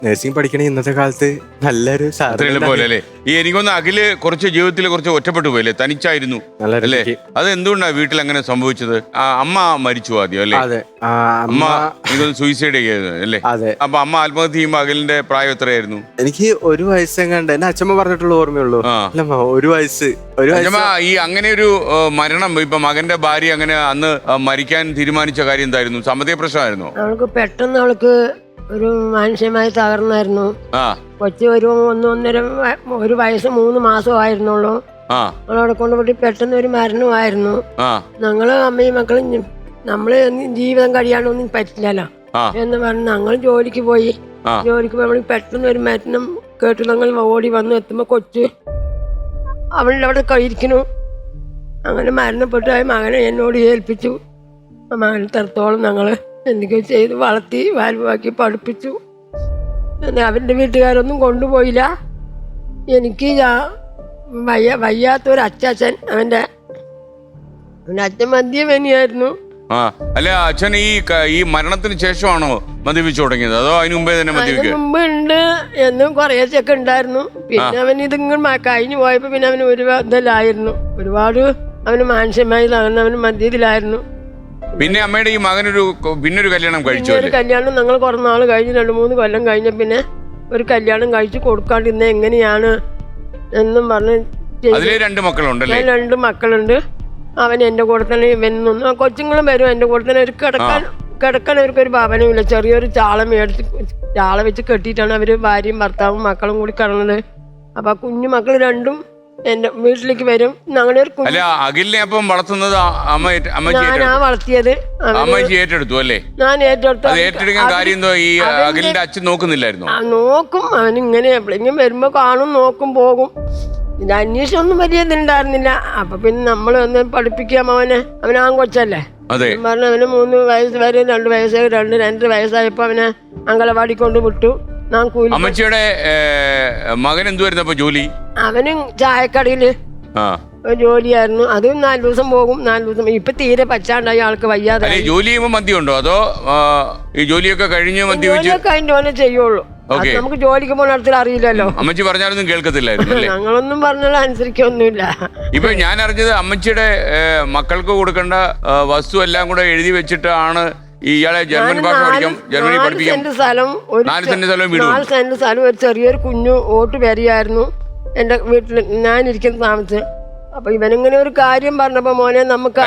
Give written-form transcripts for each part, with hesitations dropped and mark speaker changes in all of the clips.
Speaker 1: Nursing പഠിക്കണ ഇന്നത്തെ കാലത്ത് നല്ലൊരു
Speaker 2: പോലെ അല്ലേ? ഈ എനിക്കൊന്ന് അഖില് കുറച്ച് ജീവിതത്തിൽ കുറച്ച് ഒറ്റപ്പെട്ടു പോയല്ലേ, തനിച്ചായിരുന്നു അല്ലേ? അത് എന്തുകൊണ്ടാണ് വീട്ടിൽ അങ്ങനെ സംഭവിച്ചത്? അമ്മ മരിച്ചു ആദ്യം അല്ലേ?
Speaker 1: അതെ,
Speaker 2: അമ്മ എനിക്കൊന്ന് സൂയിസൈഡ് ചെയ്യായിരുന്നു അല്ലേ?
Speaker 1: അതെ.
Speaker 2: അപ്പൊ അമ്മ ആത്മഹത്യ ചെയ്യുമ്പോ അഖിലിന്റെ പ്രായം എത്രയായിരുന്നു?
Speaker 1: എനിക്ക് 1 വയസ്സെങ്ങാണ്ട് എന്നെ അച്ഛമ്മ പറഞ്ഞിട്ടുള്ള ഓർമ്മയുള്ളൂ. അല്ലമ്മ 1 വയസ്സ്.
Speaker 2: ഈ അങ്ങനെ ഒരു മരണം, ഇപ്പൊ മകന്റെ ഭാര്യ അങ്ങനെ അന്ന് മരിക്കാൻ തീരുമാനിച്ച കാര്യം എന്തായിരുന്നു? സാമ്പത്തിക പ്രശ്നമായിരുന്നു?
Speaker 3: അവൾക്ക് പെട്ടെന്ന് അവൾക്ക് ഒരു മാനസികമായി തകർന്നായിരുന്നു. കൊച്ചു ഒരു 1 വയസ്സ് 3 മാസമായിരുന്നുള്ളൂ. അവളവിടെ കൊണ്ടുപോയി പെട്ടെന്ന് ഒരു മരണമായിരുന്നു. ഞങ്ങള് അമ്മയും മക്കളും നമ്മള് ജീവിതം കഴിയാനൊന്നും പറ്റില്ലല്ലോ എന്ന് പറഞ്ഞ് ഞങ്ങൾ ജോലിക്ക് പോയി. ജോലിക്ക് പോയി പെട്ടെന്ന് ഒരു മരണം കേട്ടു. ഞങ്ങൾ ഓടി വന്ന് എത്തുമ്പോ കൊച്ചു അവളുടെ അവിടെ കഴിയിരിക്കുന്നു. അങ്ങനെ മരണപ്പെട്ടു. മകനെ എന്നോട് ഏൽപ്പിച്ചു. മകനെ തരത്തോളം ഞങ്ങള് എന്തൊക്കെയോ ചെയ്ത് വളർത്തി വാൽവാക്കി പഠിപ്പിച്ചു. അവൻ്റെ വീട്ടുകാരൊന്നും കൊണ്ടുപോയില്ല. എനിക്ക് വയ്യാത്തൊരു അച്ചാച്ചൻ, അവൻ്റെ അച്ഛൻ മദ്യപനിയായിരുന്നു.
Speaker 2: അല്ല, അച്ഛൻ ഈ മരണത്തിന് ശേഷമാണോ മദ്യപിച്ചു തുടങ്ങിയത്, അതോ അതിന് മുമ്പേ തന്നെ മദ്യപിക്കും?
Speaker 3: മുമ്പ് ഉണ്ട് എന്നും കുറേശ്ശൊക്കെ ഉണ്ടായിരുന്നു. പിന്നെ അവൻ ഇതിങ്ങനെ കഴിഞ്ഞു പോയപ്പോ പിന്നെ അവന് ഒരു ഇതിലായിരുന്നു. ഒരുപാട് അവന് മാനസികമായി തകർന്ന് അവന് മദ്യത്തിലായിരുന്നു.
Speaker 2: പിന്നെ അമ്മയുടെ ഈ മകനൊരു പിന്നൊരു കല്യാണം കഴിച്ചു.
Speaker 3: ഒരു കല്യാണം ഞങ്ങൾ കുറേ നാൾ കഴിഞ്ഞ് 2-3 കൊല്ലം കഴിഞ്ഞ പിന്നെ ഒരു കല്യാണം കഴിച്ചു കൊടുക്കാണ്ടിരുന്ന എങ്ങനെയാണ് എന്നും പറഞ്ഞ്
Speaker 2: 2 മക്കളുണ്ടല്ലേ?
Speaker 3: 2 മക്കളുണ്ട്. അവൻ എൻ്റെ കൂടെ തന്നെ ഇവനൊന്നും കൊച്ചുങ്ങളും വരും എൻ്റെ കൂടെ തന്നെ. ഒരു കിടക്കാൻ അവർക്കൊരു ഭവനമില്ല. ചെറിയൊരു ചാള വെച്ച് കെട്ടിയിട്ടാണ് അവര് ഭാര്യയും ഭർത്താവും മക്കളും കൂടി കിടന്നത്. അപ്പൊ കുഞ്ഞു മക്കൾ 2 എന്റെ വീട്ടിലേക്ക് വരും.
Speaker 2: അഖിലിനെ അപ്പം വളർത്തുന്നത്
Speaker 3: ഞാനാ വളർത്തിയത്.
Speaker 2: ഏറ്റെടുത്തു അല്ലേ?
Speaker 3: ഞാൻ ഏറ്റെടുത്തു.
Speaker 2: ഏറ്റെടുക്കാൻ കാര്യം എന്തോ? ഈ അഖിലിന്റെ അച്ഛൻ നോക്കുന്നില്ലായിരുന്നു?
Speaker 3: നോക്കും. അവൻ ഇങ്ങനെ എപ്പോഴെങ്കിലും വരുമ്പോ കാണും, നോക്കും, പോകും. ഇത് അന്വേഷണമൊന്നും വലിയ ഇതുണ്ടായിരുന്നില്ല. അപ്പൊ പിന്നെ നമ്മൾ ഒന്ന് പഠിപ്പിക്കാം അവനെ. അവൻ ആൺകൊച്ചല്ലേ പറഞ്ഞ അവന് 3 വയസ്സ് വരെ 2 വയസ്സ് 2 വയസ്സായപ്പോ അവനെ അങ്കലവാടി കൊണ്ട് വിട്ടു.
Speaker 2: അമ്മച്ചിയുടെ മകൻ എന്തുവായിരുന്നു അപ്പൊ ജോലി?
Speaker 3: അവനും ചായക്കടയില് ജോലിയായിരുന്നു. അതും 4 ദിവസം പോകും, 4 ദിവസം. ഇപ്പൊ തീരെ പച്ചാണ്ടായി, ആൾക്ക് വയ്യാതെ.
Speaker 2: ജോലി ചെയ്യുമ്പോ മദ്യമുണ്ടോ, അതോ ഈ ജോലിയൊക്കെ കഴിഞ്ഞ്
Speaker 3: കഴിഞ്ഞോനെ ചെയ്യുള്ളൂ? നമുക്ക് ജോലിക്ക് പോകുന്നിടത്തിൽ അറിയില്ലല്ലോ.
Speaker 2: അമ്മച്ചി പറഞ്ഞാലൊന്നും കേൾക്കത്തില്ലായിരുന്നു.
Speaker 3: ഞങ്ങളൊന്നും പറഞ്ഞാൽ അനുസരിക്കൊന്നുമില്ല.
Speaker 2: ഇപ്പൊ ഞാൻ അറിഞ്ഞത് അമ്മച്ചിയുടെ മക്കൾക്ക് കൊടുക്കേണ്ട വസ്തു എല്ലാം കൂടെ എഴുതി വെച്ചിട്ടാണ് ഇയാളെ ജർമ്മൻ ഭാഷ പഠിക്കാം, ജർമ്മനി പഠിപ്പിക്കാം. 4 സെന്റ്
Speaker 3: സ്ഥലം ഒരു ചെറിയൊരു കുഞ്ഞു ഓട്ട് വരികയായിരുന്നു എന്റെ വീട്ടിൽ ഞാൻ ഇരിക്കുന്ന താമസിച്ച്. അപ്പൊ ഇവനിങ്ങനെ ഒരു കാര്യം പറഞ്ഞപ്പോ മോനെ നമുക്ക്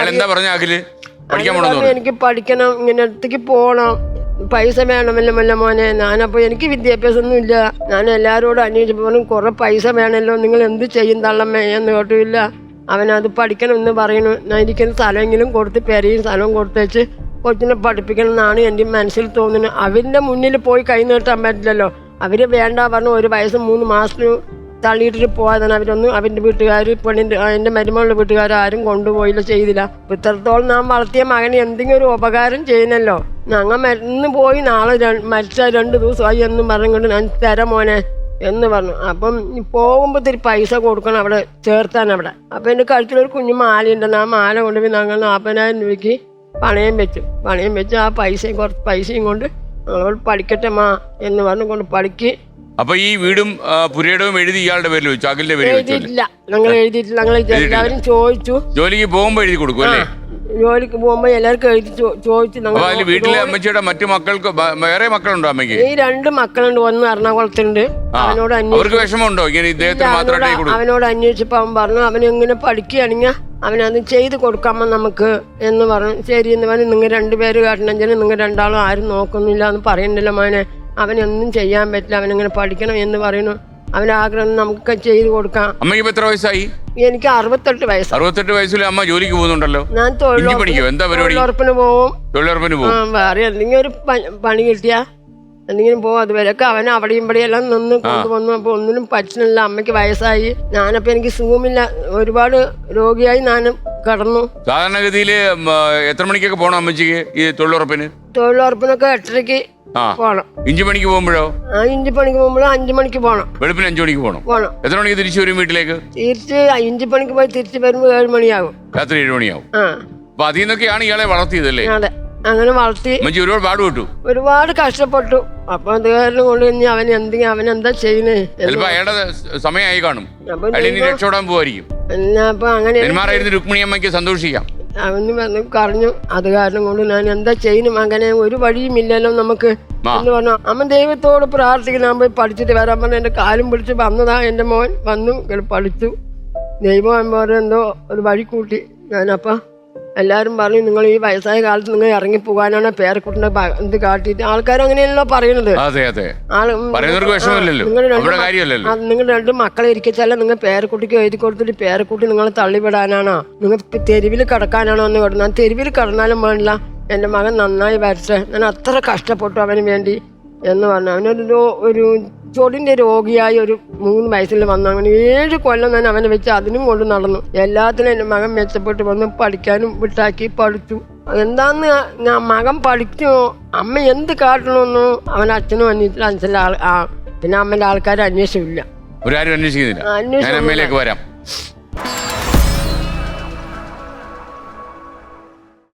Speaker 3: എനിക്ക് പഠിക്കണം, ഇങ്ങനെ അടുത്തേക്ക് പോണം, പൈസ വേണമല്ലോ മോനെ. ഞാനപ്പോ എനിക്ക് വിദ്യാഭ്യാസം ഒന്നും ഇല്ല. ഞാൻ എല്ലാരോടും അന്വേഷിച്ചപ്പോഴും കുറെ പൈസ വേണമല്ലോ, നിങ്ങൾ എന്ത് ചെയ്യും തള്ളമ്മേ എന്ന് കേട്ടില്ല. അവനത് പഠിക്കണം എന്ന് പറയുന്നു. ഞാൻ ഇരിക്കുന്ന സ്ഥലമെങ്കിലും കൊടുത്ത് പെരയും സ്ഥലവും കൊടുത്തേച്ച് കൊച്ചിനെ പഠിപ്പിക്കണം എന്നാണ് എൻ്റെ മനസ്സിൽ തോന്നുന്നത്. അവരുടെ മുന്നിൽ പോയി കൈ നീട്ടാൻ പറ്റില്ലല്ലോ. അവര് വേണ്ട പറഞ്ഞു 1 വയസ്സ് 3 മാസത്തിന് തള്ളിയിട്ടിട്ട് പോയതാണ്. അവരൊന്നും അവൻ്റെ വീട്ടുകാർ, പെണ്ണിൻ്റെ എൻ്റെ മരുമകളുടെ വീട്ടുകാർ ആരും കൊണ്ടുപോയില്ല, ചെയ്തില്ല. ഇത്രത്തോളം നാം വളർത്തിയ മകന് എന്തെങ്കിലും ഒരു ഉപകാരം ചെയ്യുന്നല്ലോ. ഞങ്ങൾ മരുന്ന് പോയി നാളെ മരിച്ച 2 ദിവസമായി എന്നും പറഞ്ഞുകൊണ്ട് ഞാൻ തരാം മോനെ എന്ന് പറഞ്ഞു. അപ്പം പോകുമ്പോൾ ഇത്തിരി പൈസ കൊടുക്കണം അവിടെ ചേർത്താൻ അവിടെ. അപ്പം എൻ്റെ കഴുത്തിലൊരു കുഞ്ഞു മാലയുണ്ടെന്ന്. ആ മാല കൊണ്ടുപോയി ഞങ്ങൾ 40,000 രൂപയ്ക്ക് പണയം വെച്ച് ആ കുറച്ച് പൈസയും കൊണ്ട് ഞങ്ങൾ പഠിക്കട്ടെ മാ എന്ന് പറഞ്ഞു കൊണ്ട് പഠിക്ക്.
Speaker 2: അപ്പൊ ഈ വീടും പുരയിടവും എഴുതി ഇയാളുടെ പേരിൽ വെച്ചു, അഖിലിന്റെ പേരിൽ
Speaker 3: എഴുതിയിട്ടില്ല. ഞങ്ങൾ എഴുതിയിട്ടില്ല. ഞങ്ങൾ എല്ലാവരും ചോദിച്ചു.
Speaker 2: ജോലിക്ക് പോകുമ്പോ എഴുതി കൊടുക്കും അല്ലേ?
Speaker 3: ജോലിക്ക് പോകുമ്പോ എല്ലാവർക്കും എഴുതി ചോദിച്ചു.
Speaker 2: വീട്ടിലെ അമ്മച്ചിയുടെ മറ്റു മക്കൾക്ക് വേറെ മക്കളുണ്ടോ അമ്മയ്ക്ക്?
Speaker 3: ഈ 2 മക്കളുണ്ട്. ഒന്ന് എറണാകുളത്തുണ്ട്. അവനോട്
Speaker 2: വിഷമമുണ്ടോ ഇങ്ങനെ ഇദ്ദേഹത്തിന് മാത്രം?
Speaker 3: അവനോട് അന്വേഷിച്ചപ്പോ അവൻ പറഞ്ഞു അവനെങ്ങനെ പഠിക്കുകയാണെങ്കിൽ അവനത് ചെയ്ത് കൊടുക്കാമോ നമുക്ക് എന്ന് പറഞ്ഞു. ശരി എന്ന് പറഞ്ഞു. നിങ്ങൾ 2 പേര് കാട്ടണമെങ്കിൽ നിങ്ങൾ 2 ആരും നോക്കുന്നില്ല എന്ന് പറയണ്ടല്ലോ മോനെ. അവനൊന്നും ചെയ്യാൻ പറ്റില്ല, അവനിങ്ങനെ പഠിക്കണം എന്ന് പറയുന്നു. അവന്റെ ആഗ്രഹം നമുക്ക് ചെയ്ത് കൊടുക്കാം.
Speaker 2: അമ്മയ്ക്ക് എത്ര വയസ്സായി?
Speaker 3: എനിക്ക് 68 വയസ്സ്.
Speaker 2: 68 വയസ്സിൽ അമ്മ ജോലിക്ക് പോകുന്നുണ്ടല്ലോ.
Speaker 3: ഞാൻ തൊഴിലുറപ്പിന് പോവും. വേറെ എന്തെങ്കിലും ഒരു പണി കിട്ടിയാ എന്തെങ്കിലും പോകും. അതുവരെയൊക്കെ അവൻ അവിടെയും ഇവിടെയും എല്ലാം നിന്ന് കൊണ്ടുവന്നു. അപ്പൊ ഒന്നിനും പറ്റുന്നില്ല. അമ്മയ്ക്ക് വയസ്സായി. ഞാനപ്പോ എനിക്ക് സുഖമില്ല, ഒരുപാട് രോഗിയായി ഞാൻ കടന്നു.
Speaker 2: സാധാരണഗതിയില് എത്ര മണിക്കൊക്കെ പോകണം അമ്മച്ചിക്ക് ഈ തൊഴിലുറപ്പിന്?
Speaker 3: തൊഴിലുറപ്പിനൊക്കെ 8:30 പോണം.
Speaker 2: ഇഞ്ചി പണിക്ക് പോകുമ്പോഴോ?
Speaker 3: ഇഞ്ചി പണിക്ക് പോകുമ്പോഴോ 5 മണിക്ക് പോണം.
Speaker 2: വെളുപ്പിന് 5 മണിക്ക് പോണം. എത്ര മണിക്ക് തിരിച്ചു വരും വീട്ടിലേക്ക്?
Speaker 3: തിരിച്ച് ഇഞ്ചി പണിക്ക് പോയി തിരിച്ചു വരുമ്പോ 7 മണിയാകും.
Speaker 2: രാത്രി 7 മണിയാവും. അപ്പൊ അതിൽ നിന്നൊക്കെയാണ് ഇയാളെ വളർത്തിയതല്ലേ?
Speaker 3: അതെ. അങ്ങനെ വളർത്തി
Speaker 2: അമ്മച്ചി ഒരുപാട് പാടുപെട്ടു,
Speaker 3: ഒരുപാട് കഷ്ടപ്പെട്ടു. അപ്പൊ അത് കാരണം കൊണ്ട് ഇനി അവൻ എന്താ ചെയ്യുന്നേ?
Speaker 2: ചിലപ്പോ അയാളുടെ സമയമായി കാണും,
Speaker 3: അപ്പൊ
Speaker 2: അയാൾ ഇനി രക്ഷപ്പെടാൻ പോവായിരിക്കും.
Speaker 3: അപ്പൊ അങ്ങനെ
Speaker 2: നെന്മാറായിരുന്നു രുക്മിണി അമ്മയ്ക്ക് സന്തോഷിക്കാം.
Speaker 3: അവന് വന്ന് പറഞ്ഞു. അത് കാരണം കൊണ്ട് ഞാൻ എന്താ ചെയ്യുന്നു മകനെ, ഒരു വഴിയുമില്ലല്ലോ നമുക്ക് എന്ന് പറഞ്ഞു. അമ്മ ദൈവത്തോട് പ്രാർത്ഥിക്കണം, ഞാൻ പോയി പഠിച്ചിട്ട് വരാൻ പറഞ്ഞു. എന്റെ കാലും പിടിച്ച് വന്നതാ എന്റെ മോൻ, വന്നു പഠിച്ചു. ദൈവം എന്തോ ഒരു വഴി കൂട്ടി. ഞാനപ്പ എല്ലാവരും പറഞ്ഞു, നിങ്ങൾ ഈ വയസ്സായ കാലത്ത് നിങ്ങൾ ഇറങ്ങി പോകാനാണ് പേരക്കുട്ടിനെ ഇത് കാട്ടിയിട്ട്. ആൾക്കാർ അങ്ങനെയല്ലോ പറയുന്നത്. നിങ്ങൾ രണ്ട് മക്കളെ ഇരിക്കച്ചാലും നിങ്ങൾ പേരക്കുട്ടിക്ക് എഴുതി കൊടുത്തിട്ട് പേരക്കുട്ടി നിങ്ങളെ തള്ളിവിടാനാണോ, നിങ്ങൾ തെരുവിൽ കിടക്കാനാണോ എന്ന് പറഞ്ഞു. ഞാൻ തെരുവിൽ കിടന്നാലും വേണ്ടില്ല, എൻ്റെ മകൻ നന്നായി വരട്ടെ, ഞാൻ അത്ര കഷ്ടപ്പെട്ടു അവന് വേണ്ടി എന്ന് പറഞ്ഞു. അവനൊരു ചൊടിന്റെ രോഗിയായി ഒരു 3 വയസ്സിൽ വന്നു. അങ്ങനെ 7 കൊല്ലം ഞാൻ അവനെ വെച്ച് അതിനും കൊണ്ട് നടന്നു. എല്ലാത്തിനും എൻ്റെ മകൻ മെച്ചപ്പെട്ട് വന്ന് പഠിക്കാനും വിട്ടാക്കി പഠിച്ചു. എന്താന്ന് ഞാൻ മകൻ പഠിച്ചു, അമ്മ എന്ത് കാട്ടണമെന്നു അവൻ അച്ഛനും അന്വേഷിച്ചില്ല. പിന്നെ അമ്മന്റെ ആൾക്കാർ അന്വേഷിച്ചില്ല.
Speaker 2: അന്വേഷിക്കുന്നില്ല.